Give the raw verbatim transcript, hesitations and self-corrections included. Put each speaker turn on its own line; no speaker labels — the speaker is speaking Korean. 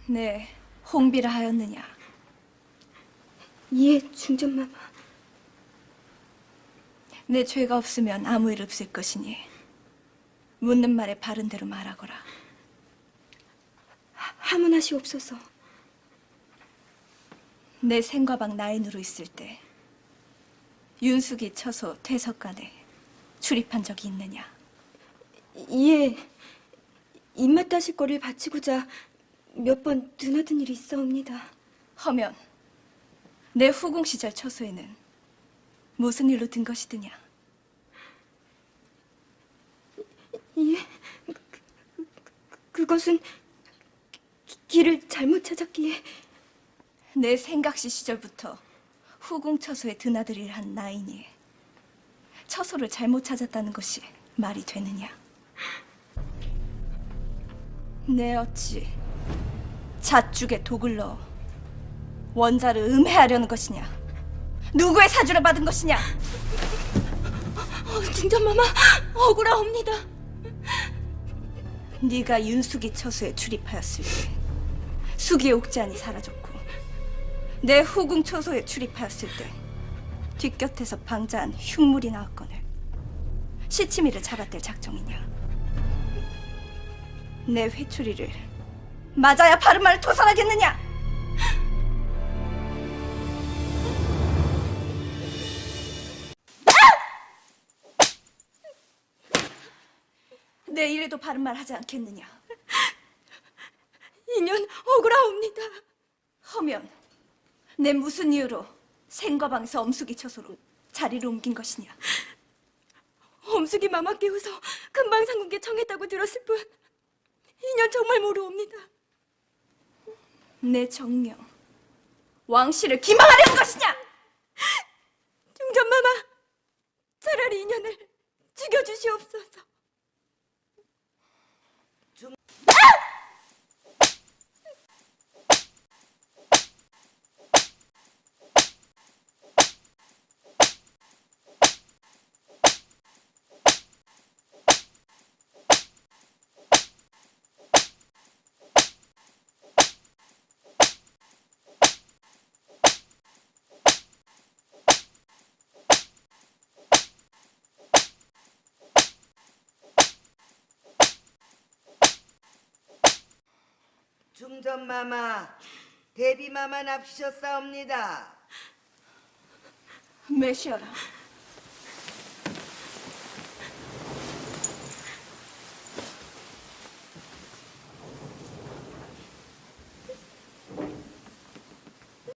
네, 홍비라 하였느냐?
예, 중전마마.
내 죄가 없으면 아무 일 없을 것이니 묻는 말에 바른 대로 말하거라.
하, 하문하시옵소서.
내 생과방 나인으로 있을 때 윤숙이 처소 퇴석간에 출입한 적이 있느냐?
예, 입맛 따실 거를 바치고자 몇 번 드나든 일이 있어옵니다.
허면 내 후궁 시절 처소에는 무슨 일로 든 것이드냐?
예, 그, 그, 그것은 기, 길을 잘못 찾았기에.
내 생각시 시절부터 후궁 처소에 드나들이를 한 나이니 처소를 잘못 찾았다는 것이 말이 되느냐? 내 어찌 잣죽에 독을 넣어 원자를 음해하려는 것이냐? 누구의 사주를 받은 것이냐?
어, 중전마마, 억울하옵니다.
네가 윤숙이 처소에 출입하였을 때 숙이의 옥잔이 사라졌고 내 후궁 처소에 출입하였을 때 뒷곁에서 방자한 흉물이 나왔거늘 시치미를 잡아댈 작정이냐? 내 회초리를 맞아야 바른 말을 토설하겠느냐? 내 이래도 바른 말 하지 않겠느냐?
인연 억울하옵니다.
허면 내 무슨 이유로 생과방에서 엄숙이 처소로 자리를 옮긴 것이냐?
엄숙이 마마 깨워서 금방상궁께 청했다고 들었을 뿐 인연 정말 모르옵니다.
내 정령 왕실을 기망하려는 것이냐?
중전마마, 차라리 인연을 죽여주시옵소서.
중전마마, 대비마마 납시셨사옵니다.
메시아라,